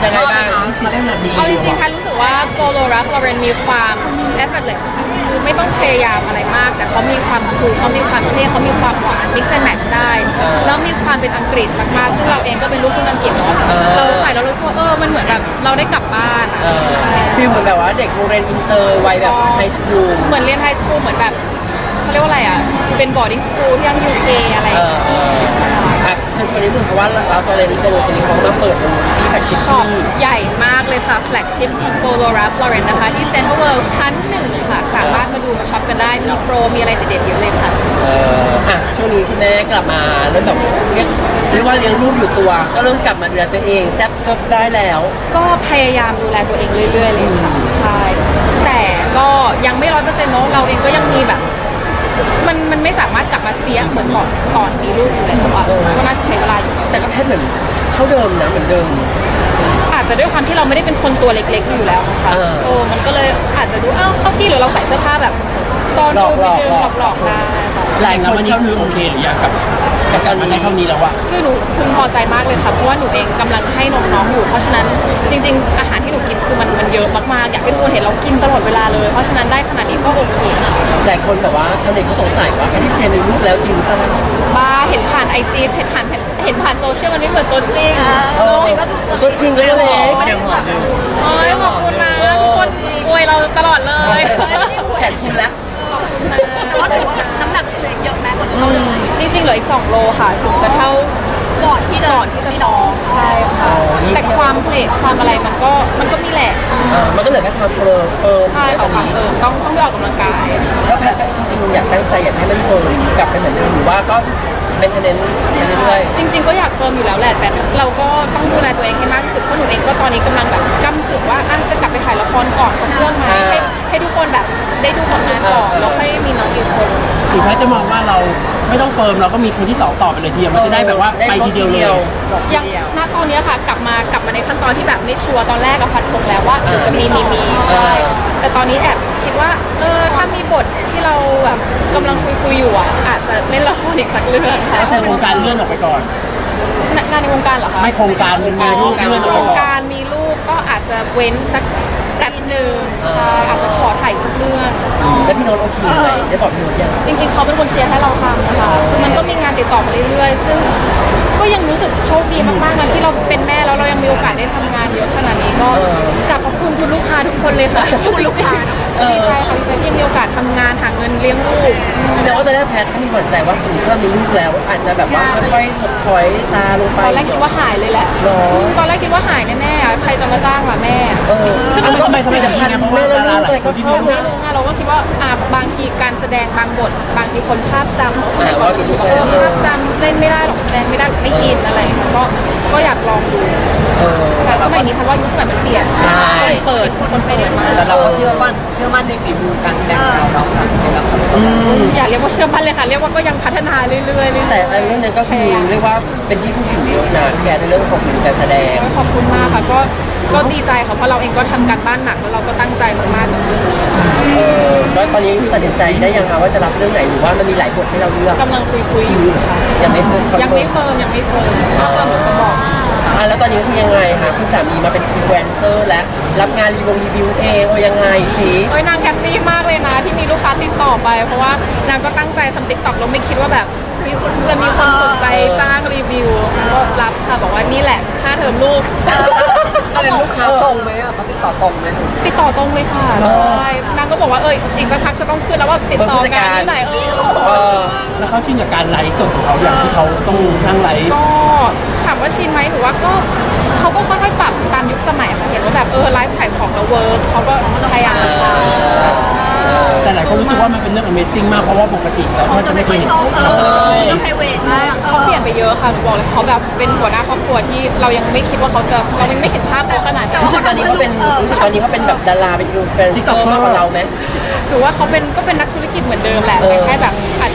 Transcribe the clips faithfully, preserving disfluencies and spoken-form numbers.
ยังไงบ้างเอาจริงๆค่ะรู้สึกว่าโปโลรักลอเรนมีความ effortless ค่ะคือไม่ต้องพยายามอะไรมากแต่เขามีความคูลเขามีความเท่เขามีความหวาน mix and match ได้แล้วมีความเป็นอังกฤษมากๆซึ่งเราเองก็เป็นลูกครึ่งอังกฤษเนาะเราใส่แล้วรู้สึกว่าเออมันเหมือนแบบเราได้กลับบ้านฟีลเหมือนแบบว่าเด็กโรงเรียนอินเตอร์วัยแบบไฮสคูลเหมือนเรียนไฮสคูลเหมือนแบบเขาเรียกว่าอะไรอ่ะเป็น boarding school ที่ยัง ยู เค อะไรอย่างเงี้ยเชิญชวนนิดนึงเพราะว่าเราตอนเรียนอินเตอร์ตัวนี้เขามาเปิดที่แฟลกชิพช็อปใหญ่มากเลยค่ะแฟลกชิพโปโลรัฟลอเรนนะคะที่เซ็นทรัลเวิลด์ชั้นหนึ่งค่ะสามารถมาดูมาช็อปกันได้มีโปรมีอะไรเด็ดๆเยอะเลยค่ะเอออ่ะช่วงนี้คุณแม่กลับมาเริ่มแบบเรียกเรียกว่าเลี้ยงลูกอยู่ตัวก็เริ่มกลับมาดูแลตัวเองแซ่บซบได้แล้วก็พยายามดูแลตัวเองเรื่อยๆเลยค่ะใช่แต่ก็ยังไม่ร้อยเปอร์เซ็นต์เนาะเราเองก็ยังมีแบบมันมันไม่สามารถกลับมาเสียเหมือนก่อนก่อนมีลูกอยู่เลยแต่ว่าก็น่าจะใช้เวลาอยู่แต่ก็แค่เหมือนเท่าเดิมนะเหมือนเดิมอาจจะด้วยความที่เราไม่ได้เป็นคนตัวเล็กๆอยู่แล้วค่ะโอ้มันก็เลยอาจจะดูอ้าวเข้าที่หรือเราใส่เสื้อผ้าแบบซ่อนรูปนิดนึงหลอกๆได้หลายคนเช่าคือโอเคหรือยังกับกับการมาได้เท่านี้แล้วอะคือหนูพึงพอใจมากเลยค่ะเพราะว่าหนูเองกำลังให้นมน้องอยู่เพราะฉะนั้นจริงๆอาหารที่หนูกินคือมันมันเยอะมากๆอยากให้ทุกคนเห็นเรากินตลอดเวลาเลยเพราะฉะนั้นได้ขนาดนี้ก็โอเคหลายคนแบบว่าชาวเน็ตก็สงสัยว่าพี่เซนมีลูกแล้วจริงหรือเปล่าบ้าเห็นผ่านไอจีเห็นผ่านเห็นผ่านโซเชียลมันไม่เหมือนตัวจริงตัวจริงก็เล็กยังหอมอยู่โอ้ยขอบคุณนะทุกคนอวยเราตลอดเลยแขนคุณแล้วแต่ว่าน้ำหนักเหลือเยอะแม้กว่าเท่าเลยจริงๆเหลืออีกสองโลค่ะถึงจะเท่าก่อนที่ก่อนที่จะท้องใช่ค่ะแต่ความเพลทความอะไรมันก็มันก็มีแหละมันก็เหลือแค่ความเฟิร์มเฟิร์มใช่ค่ะความเฟิร์มต้องต้องไปออกกำลังกายแล้วแพทจริงๆอยากตั้งใจอยากให้มันเฟิร์มกลับไปเหมือนเดิมหรือว่าก็เป็นเทนเนนเรื่อยๆจริงๆก็อยากเฟิร์มอยู่แล้วแหละแต่เราก็ต้องดูแลตัวเองให้มากที่สุดเพราะหนูเองก็ตอนนี้กำลังแบบกำกึ่งว่าอาจจะกลับไปถ่ายละครก่อนสักเรื่องไหมให้ให้ทุกคนแบบได้ดูผลงานก่อนแล้วค่อยมีน้องอีกคนถึงแม้จะมองว่าเราไม่ต้องเฟิร์มเราก็มีคนที่สองต่อไปเลยทีเดียวมันจะได้แบบว่าไปทีเดียวเลยยังณตอนนี้ค่ะกลับมากลับมาในขั้นตอนที่แบบไม่ชัวร์ตอนแรกกับพัดพงแล้วว่าเดี๋ยวจะมีมีมีใช่แต่ตอนนี้แอบคิดว่าเออถ้ามีบทที่เราแบบกำลังคุยคุยอยู่อ่ะอาจจะเล่นละครอีกสักเรื่องค่ะใช่โครงการเลื่อนออกไปก่อนงานในวงการเหรอคะไม่โครงการเป็นงานลูกเลื่อนออกไปก่อนโครงการมีลูกก็อาจจะเว้นสักแป๊บหนึ่งใช่อาจจะขอถ่ายสักเรื่องแล้วพี่โน้ตโอเคไหมได้บอกพี่โน้ตยังจริงๆเขาเป็นคนเชียร์ให้เราทำนะคะคือมันก็มีงานติดต่อมาเรื่อยๆซึ่งก็ยังรู้สึกโชคดีมากๆนะที่เราเป็นแม่แล้วเรายังมีโอกาสได้ทำงานเยอะขนาดนี้ก็กลับขอบคุณคุณลูกค้าทุกคนเลยค่ะคุณลูกค้าดีใจค่ะดีใจที่มีโอกาสทำงานหาเงินเลี้ยงลูกแสดงว่าตอนแรกแพทย์เขามีหวั่นใจว่าถึงเริ่มมีลูกแล้วอาจจะแบบว่าค่อยๆถอยซาลงไปตอนแรกคิดว่าหายเลยแหละตอนแรกคิดว่าหายแน่ๆใครจะมาจ้างล่ะแม่เออทำไมทำไมถึงพันแม่แล้วลูกอะไรก็เข้าไม่รู้ไงเราก็คิดว่าอ่าบางทีการแสดงบางบทบางทีคนภาพจำสมัยก่อนคิดว่าเออภาพจำเล่นไม่ได้หรอกแสดงไม่ได้ไม่อินอะไรก็ก็อยากลองดูแต่สมัยนี้พันว่ายุคสมัยมันเปลี่ยนใช่เปิดคนเปิดมาแล้วเราก็เชื่อมั่นเชื่อมั่นในฝีมือการแสดงของเราเนาะอย่าเรียกว่าเชื่อมั่นเลยค่ะเรียกว่าก็ยังพัฒนาเรื่อยๆแต่เรื่องนั้นก็คือเรียกว่าเป็นที่ผู้ถือเยอะนะแกในเรื่องของการแสดงขอบคุณมากค่ะก็ก็ดีใจค่ะเพราะเราเองก็ทำการบ้านหนักแล้วเราก็ตั้งใจมากๆกับเรื่องนี้เออแล้วตอนนี้ตัดสินใจได้ยังคะว่าจะรับเรื่องไหนหรือว่ามันมีหลายบทให้เราเลือกกำลังคุยคุยอยู่ค่ะยังไม่เฟิร์มยังไม่เฟิร์มยังไม่เฟิร์มถ้าเฟิร์มจะบอกอ่ะแล้วตอนนี้คือยังไงคะคุณสามีมาเป็นอินฟลูเอนเซอร์และรับงานรีวิวรีวิวเองโอ้ยังไงสิโอ้ยนางแฮปปี้มากเลยนะที่มีลูกค้าติดต่อไปเพราะว่านางก็ตั้งใจทำติ๊กต็อกแล้วไม่คิดว่าแบบจะมีคนสนใจจ้างรีวิวก็รับค่ะบอกว่านี่แหละค่าเทอมลูกก็เป็นลูกค้าตรงไหมอ่ะเขาติดต่อตรงไหมติดต่อตรงเลยค่ะใช่นางก็บอกว่าเอออีกสักพักจะต้องขึ้นแล้วว่าติดต่อกันที่ไหนเออแล้วเขาชินกับการไลฟ์สดของเขาอย่างที่เขาต้องนั่งไลฟ์ก็ถามว่าชินไหมถือว่าก็เขาก็ค่อยๆปรับตามยุคสมัยเห็นว่าแบบเออไลฟ์ขายของแล้วเวิร์กเขาก็พยายามแต่หลายคนรู้สึกว่ามันเป็นเรื่อง Amazing มากเพราะว่าปกติเราจะไม่เคยเห็นเขาต้องไพรเวทเขาเปลี่ยนไปเยอะค่ะหนูบอกเลยเขาแบบเป็นหัวหน้าครอบครัวที่เรายังไม่คิดว่าเขาจะเรายังไม่เห็นภาพเขาขนาดนั้นรู้สึกตอนนี้เขาเป็นรู้สึกตอนนี้เขาเป็นแบบดาราเป็นยูเป็นที่สองมากกว่าเราไหมถือว่าเขาเป็นก็เป็นนักธุรกิจเหมือนเดิมแหละแต่แค่แบบอาจ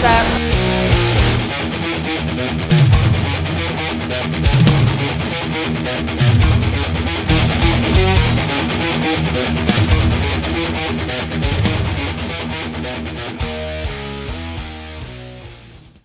จะ